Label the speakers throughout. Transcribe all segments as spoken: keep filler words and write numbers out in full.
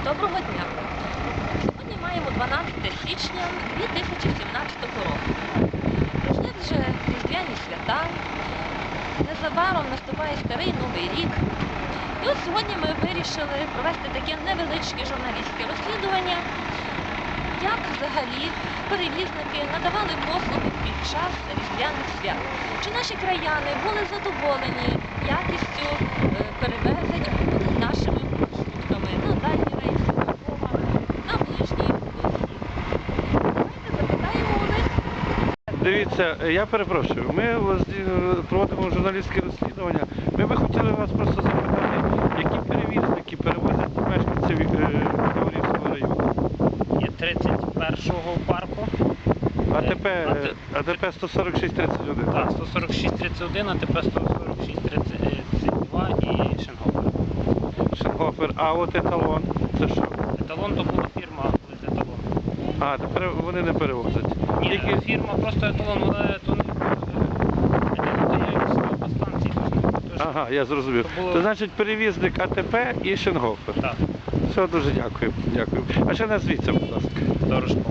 Speaker 1: Доброго дня! Сьогодні маємо дванадцяте січня дві тисячі сімнадцятого року. Пройшли вже різдвяні свята, незабаром наступає старий Новий рік. І от сьогодні ми вирішили провести таке невеличке журналістське розслідування, як взагалі перевізники надавали послуги під час різдвяних свят. Чи наші краяни були задоволені якістю перевезень нашими маршрутками на дальні рейси, на Львова, на ближні вихід. Давайте запитаємо у них.
Speaker 2: Дивіться, я перепрошую, ми проводимо журналістське розслідування. Ми би хотіли вас просто запитати, які перевізники перевозять мешканців Яворівського району?
Speaker 3: Є тридцять першого парку.
Speaker 2: АТП, АТП сто сорок шість тридцять один.
Speaker 3: Так, сто сорок шість тридцять один, АТП сто сорок шість тридцять два і Шенгофер.
Speaker 2: Шенгофер, а от еталон, це що?
Speaker 3: Еталон то була фірма, коли це еталон.
Speaker 2: А, тепер вони не перевозять.
Speaker 3: Ні,
Speaker 2: Тільки...
Speaker 3: фірма просто еталон, але то не по станції.
Speaker 2: Ага, я зрозумів.
Speaker 3: було...
Speaker 2: То значить перевізник АТП і Шенгофер.
Speaker 3: Так.
Speaker 2: Все, дуже дякую. Дякую. А ще назвіться, будь ласка.
Speaker 3: Дорожкова.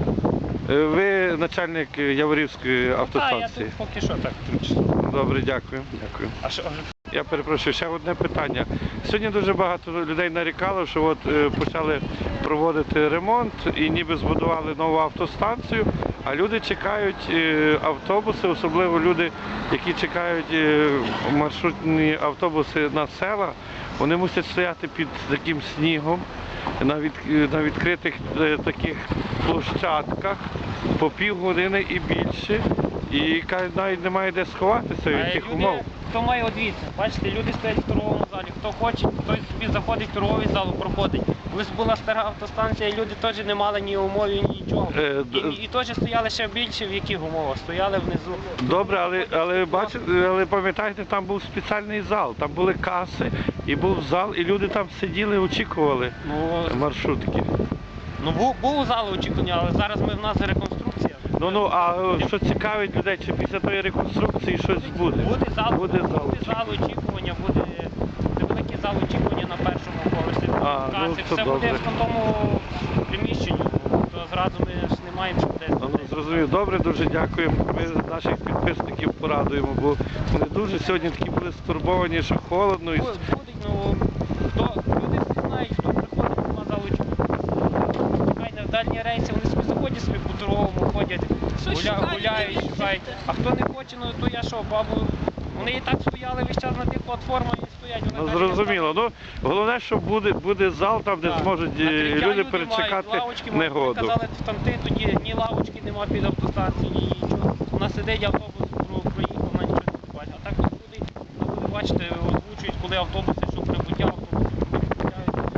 Speaker 2: Ви начальник Яворівської автостанції?
Speaker 3: Так, я тут поки що так тимчасово.
Speaker 2: Добре, дякую. Дякую.
Speaker 3: А що?
Speaker 2: Я перепрошую, ще одне питання. Сьогодні дуже багато людей нарікало, що от е, почали проводити ремонт і ніби збудували нову автостанцію, а люди чекають е, автобуси, особливо люди, які чекають е, маршрутні автобуси на села, вони мусять стояти під таким снігом на, від, на відкритих е, таких площадках по півгодини і більше. І кажуть, навіть немає де сховатися від тих умов.
Speaker 3: Хто має одвіться, бачите, люди стоять в торговому залі, хто хоче, той собі заходить в торговий зал, проходить. Колись була стара автостанція, люди теж не мали ні умов, ні нічого.
Speaker 2: Е,
Speaker 3: і, і теж стояли ще більше, в яких умовах, стояли внизу.
Speaker 2: Добре, але, але, бачите, але пам'ятаєте, там був спеціальний зал, там були каси, і був зал, і люди там сиділи, очікували
Speaker 3: Ну,
Speaker 2: маршрутки.
Speaker 3: ну був, був зал очікування, але зараз ми в нас реконструкція.
Speaker 2: Ну, ну, а що цікавить людей, чи після тої реконструкції щось буде?
Speaker 3: Буде зал,
Speaker 2: буде зал,
Speaker 3: буде зал очікування, буде великий зал очікування на першому поверсі.
Speaker 2: А,
Speaker 3: каси,
Speaker 2: ну, це
Speaker 3: все
Speaker 2: добре.
Speaker 3: буде в тому приміщенні, то зразу ми ж не маємо що десь.
Speaker 2: Ну, зрозумів, добре, дуже дякуємо. Ми наших підписників порадуємо, бо вони дуже сьогодні такі були стурбовані, що холодно. І...
Speaker 3: Буде, ну, хто, люди всі знають, хто приходить, нема залу очікування. Хай на дальні рейси, вони собі заходять собі по торговому, ходять, гуля, гуляють, шукають. А хто не хоче, ну то я що, бабу, вони і так стояли весь час на тих платформах і стоять. Вони
Speaker 2: Ну, зрозуміло. Ну, головне, що буде, буде зал там, де
Speaker 3: так.
Speaker 2: зможуть
Speaker 3: Накриття
Speaker 2: люди
Speaker 3: люди
Speaker 2: перечекати
Speaker 3: мають, лавочки
Speaker 2: негоду.
Speaker 3: Мають. Казали, в тамти тоді ні лавочки нема під автостанції, ні нічого. У нас сидить автобус, про- проїхав, на нічого не бачить. А так от люди, ви бачите, озвучують, коли автобуси, що прибуття автобусу, прибуття.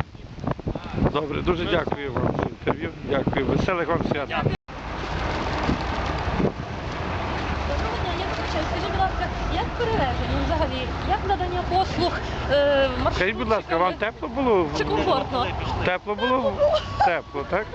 Speaker 2: Добре, дуже дякую вам за інтерв'ю. Дякую. Веселих вам свят.
Speaker 3: Дякую.
Speaker 1: Доброго дня, я вибачаю, скажіть, будь ласка, як перевезення взагалі, як надання послуг е, маршрутчиками?
Speaker 2: Скажіть, будь ласка, вам тепло було?
Speaker 1: Чи комфортно?
Speaker 2: Тепло було? Тепло, так?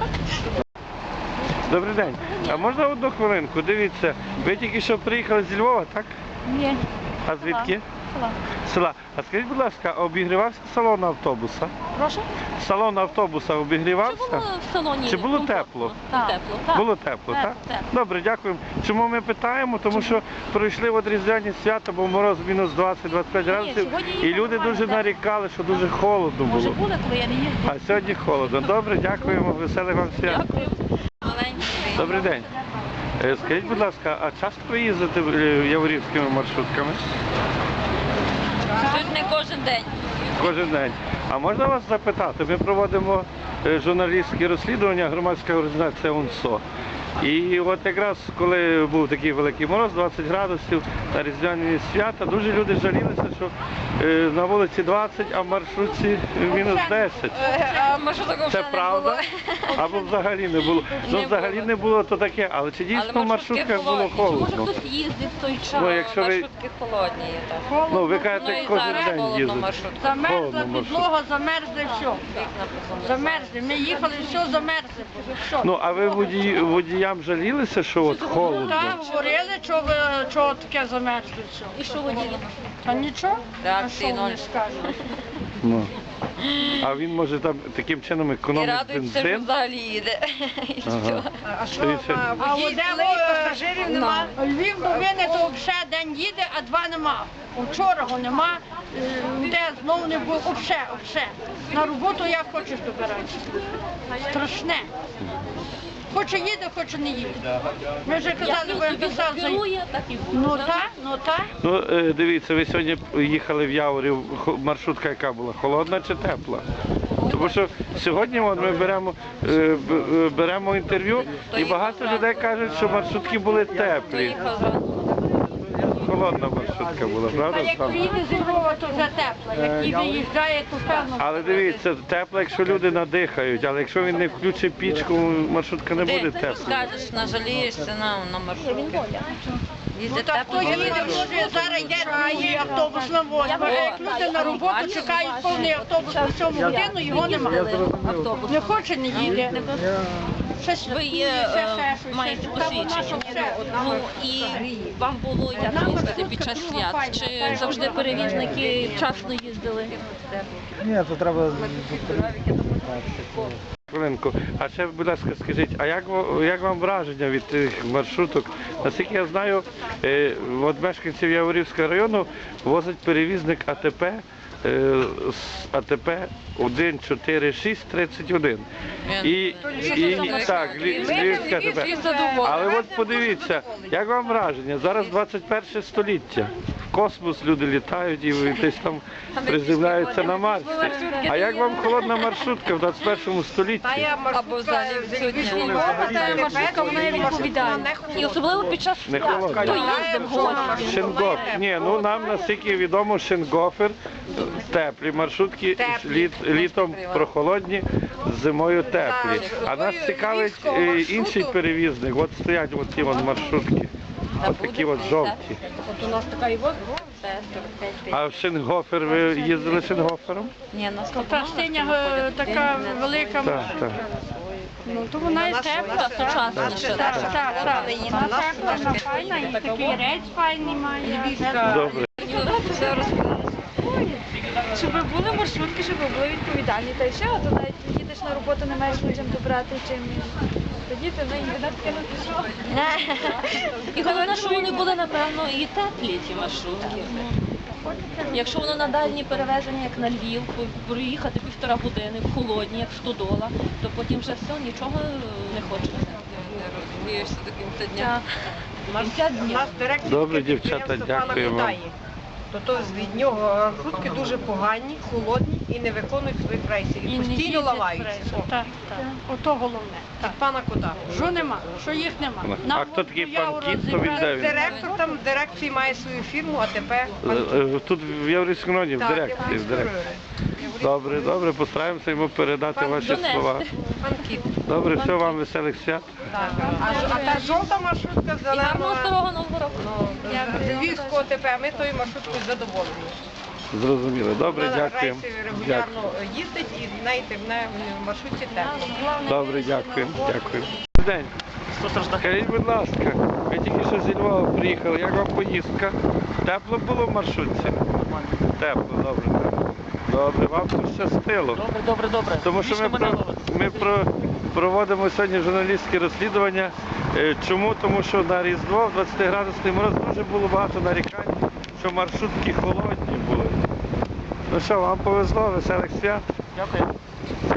Speaker 2: Добрий день. А можна одну хвилинку? Дивіться, ви тільки що приїхали зі Львова, так?
Speaker 1: Ні.
Speaker 2: А звідки?
Speaker 1: Села.
Speaker 2: Села. А скажіть, будь ласка, а обігрівався салон автобуса?
Speaker 1: Прошу?
Speaker 2: Салон автобуса
Speaker 1: Чи
Speaker 2: обігрівався?
Speaker 1: було в салоні
Speaker 2: Чи було
Speaker 1: комфортно?
Speaker 2: тепло?
Speaker 1: Так. Тепло, так.
Speaker 2: Було тепло,
Speaker 1: Тепло,
Speaker 2: так?
Speaker 1: тепло.
Speaker 2: Добре, дякуємо. Чому ми питаємо? Тому що пройшли от різдвяні свята, бо мороз мінус двадцять - двадцять п'ять градусів,
Speaker 1: сьогодні
Speaker 2: і
Speaker 1: їхали
Speaker 2: люди
Speaker 1: нормально,
Speaker 2: дуже
Speaker 1: так.
Speaker 2: нарікали, що дуже холодно
Speaker 1: Може
Speaker 2: було.
Speaker 1: були, коли я не їздила.
Speaker 2: А сьогодні холодно. Добре, дякуємо, веселих вам свят.
Speaker 1: Дякую. Маленький.
Speaker 2: Добрий день. Е, Скажіть, будь ласка, а часто ви їздите е, яворівськими маршрутками?
Speaker 1: Тут не кожен день.
Speaker 2: Кожен день. А можна вас запитати? Ми проводимо е, журналістські розслідування, громадська організація УНСО. І от якраз коли був такий великий мороз, двадцять градусів на різдвяні свята, дуже люди жалілися, що е, на вулиці двадцять, а в маршрутці мінус десять.
Speaker 1: А маршруток
Speaker 2: Це правда? Або взагалі не було. Ну взагалі не було, то таке, але чи дійсно в маршрутках було холодно?
Speaker 1: Може хтось їздить в той час,
Speaker 2: Ну, якщо ви-
Speaker 1: маршрутки холодні є так.
Speaker 2: Ну, ви
Speaker 1: Ну,
Speaker 2: кажете,
Speaker 1: і
Speaker 2: кожен
Speaker 1: зараз
Speaker 2: день
Speaker 1: холодно
Speaker 2: їздите.
Speaker 1: маршрутка.
Speaker 4: Замерзла
Speaker 2: Холодно маршрут.
Speaker 4: підлога, замерзли все.
Speaker 1: Вікна позамерзли.
Speaker 4: Замерзли. Ми їхали, все замерзли. Все.
Speaker 2: Ну, а ви водій, водіям жалілися, що от холодно?
Speaker 4: Так, говорили, що ви чого таке замерзли все.
Speaker 1: І що водії?
Speaker 4: А нічого?
Speaker 1: Так,
Speaker 4: а що вони
Speaker 1: синуль.
Speaker 4: скажуть?
Speaker 2: Ну. А він може там таким чином
Speaker 1: І
Speaker 2: економить
Speaker 1: радується, що
Speaker 2: бензин.
Speaker 1: взагалі їде. І все.
Speaker 2: Ага.
Speaker 5: А
Speaker 2: Це
Speaker 5: що,
Speaker 2: ще-
Speaker 5: а
Speaker 4: А
Speaker 5: водій
Speaker 4: от де
Speaker 5: злий,
Speaker 4: ви-
Speaker 5: пасажирів нема?
Speaker 4: Львів до мене то взагалі день їде, а два нема. Вчора його нема, е, де знову не було, взагалі, взагалі. На роботу як хочеш добиратися. Страшне. Хоче їде, хоче не їде. Ми вже
Speaker 1: Як
Speaker 4: казали,
Speaker 1: він
Speaker 4: ви
Speaker 1: собі
Speaker 4: писав за...
Speaker 1: керує, так і буде.
Speaker 4: Ну так, ну так.
Speaker 2: Ну, е, дивіться, ви сьогодні їхали в Яворів, хо- маршрутка яка була? Холодна чи тепла? Тому що сьогодні от ми беремо, е, б- е, беремо інтерв'ю, і багато людей кажуть, що маршрутки були теплі.
Speaker 1: Їхав зранку.
Speaker 2: Холодна маршрутка була,
Speaker 4: А
Speaker 2: правда?
Speaker 4: як
Speaker 2: Оксана?
Speaker 4: приїде з Львова, то вже тепло. Як і виїжджає, то певно.
Speaker 2: Але дивіться, тепло, якщо люди надихають, але якщо він не включить пічку, маршрутка не буде
Speaker 1: Ти
Speaker 2: тепла.
Speaker 1: скажеш, нажалієшся на, на маршрутки.
Speaker 4: Ну
Speaker 1: Їздить
Speaker 4: так
Speaker 1: тепло.
Speaker 4: хто їде, може зараз йде другий автобус на восьму. А як люди на роботу чекають повний автобус на сьому годину, його немає.
Speaker 1: Автобус.
Speaker 4: Не хоче, не їде. Щось
Speaker 1: Ви є,
Speaker 4: ще,
Speaker 1: е,
Speaker 4: ще щось.
Speaker 1: маєте
Speaker 4: Та вона
Speaker 1: посвідчення.
Speaker 4: що все.
Speaker 1: Ну і вам було як їздити під час свят? Чи завжди перевізники вчасно їздили?
Speaker 6: Ні, то треба
Speaker 2: Хвилинку. А ще, будь ласка, скажіть, а як, ва- як вам враження від тих маршруток? Наскільки я знаю, е, от мешканців Яворівського району возить перевізник АТП, е, з АТП один чотири шість тридцять один. І, і, так, Лі- Львівське АТП. Але от подивіться, як вам враження? Зараз двадцять перше століття. В космос люди літають і десь там приземляються на Марсі. А як вам холодна маршрутка в двадцять першому столітті?
Speaker 5: Та я
Speaker 1: Або взагалі
Speaker 5: маршрутка з
Speaker 1: відсутня.
Speaker 5: Львова, та маршрутка, вона є відповідальна.
Speaker 1: І особливо під час
Speaker 2: Не
Speaker 1: свят.
Speaker 2: холодно.
Speaker 1: Хто їздив в гості?
Speaker 2: Шингоф. Ні, ну нам наскільки відомо, Шингофер теплі маршрутки, літ, літом прохолодні, зимою теплі. А нас цікавить е, інший перевізник. От стоять от ті от маршрутки. От такі от жовті.
Speaker 5: От у нас така і воз.
Speaker 2: А в Шингофер ви їздили Шингофером?
Speaker 1: Ні, нас
Speaker 4: То та синя е, така велика,
Speaker 2: Так, так.
Speaker 4: ну то вона і тепла,
Speaker 1: сучасна.
Speaker 4: Так, так, так. Вона тепла, вона файна, і такий рець файний має.
Speaker 2: Добре.
Speaker 7: Щоб були маршрутки, щоб були відповідальні, та й все, а то навіть їдеш на роботу, не маєш людям добрати чим. Тоді ти на інтернет кинути що.
Speaker 1: І головне, що вони були, напевно, і теплі, ці маршрутки. Якщо воно на дальні перевезення, як на Львів, проїхати півтора години в холодні, як стодола, то потім вже все, нічого не хочеться. Не розумієшся до кінця дня. До кінця
Speaker 5: У
Speaker 1: дня.
Speaker 5: нас директор
Speaker 2: Добре, дівчата,
Speaker 5: підприємства пана
Speaker 2: дякую вам.
Speaker 5: Кудаї. То, то від нього маршрутки дуже погані, холодні і не виконують своїх рейсів. І
Speaker 4: І не
Speaker 5: постійно
Speaker 4: їздять
Speaker 5: ламаються.
Speaker 4: пресно. Так, так. Ото головне. Так.
Speaker 5: Від пана Кота.
Speaker 4: Що нема? Що їх нема?
Speaker 2: А
Speaker 4: Нам
Speaker 2: хто такий
Speaker 4: от
Speaker 2: пан
Speaker 4: Явору
Speaker 2: Кіт, то він
Speaker 4: зібрали.
Speaker 2: де він?
Speaker 5: Директор там в дирекції має свою фірму, а тепер пан Кіт.
Speaker 2: Е, е, Тут в Яворівському районі, в
Speaker 5: Так,
Speaker 2: дирекції.
Speaker 5: я
Speaker 2: в дирекції. Добре, добре, постараємося йому передати ваші
Speaker 1: Донести.
Speaker 2: слова.
Speaker 5: Пан Кіт.
Speaker 2: Добре, все вам веселих свят.
Speaker 5: Так. А, ж- а та жовта маршрутка
Speaker 1: І гарного
Speaker 5: зелена
Speaker 1: старого нового року.
Speaker 5: з Львівського ТП, ми тою маршруткою задоволені.
Speaker 2: Зрозуміло. Добре,
Speaker 5: Вона
Speaker 2: дякуємо.
Speaker 5: рейси
Speaker 2: Дякую.
Speaker 5: регулярно їздить і знаєте, в неї в маршрутці тепло.
Speaker 2: Добре, дякую. Дякую. Добрий день. Скажіть, будь ласка, ви тільки що зі Львова приїхали. Як вам поїздка? Тепло було в маршрутці? Тепло, добре. Добре, вам пощастило.
Speaker 3: Добре, добре, добре.
Speaker 2: Тому що ми, про, ми про, проводимо сьогодні журналістське розслідування. Е, Чому? Тому що на Різдво в двадцятиградусний мороз дуже було багато нарікань, що маршрутки холодні були. Ну що, вам повезло, веселих свят.
Speaker 3: Дякую.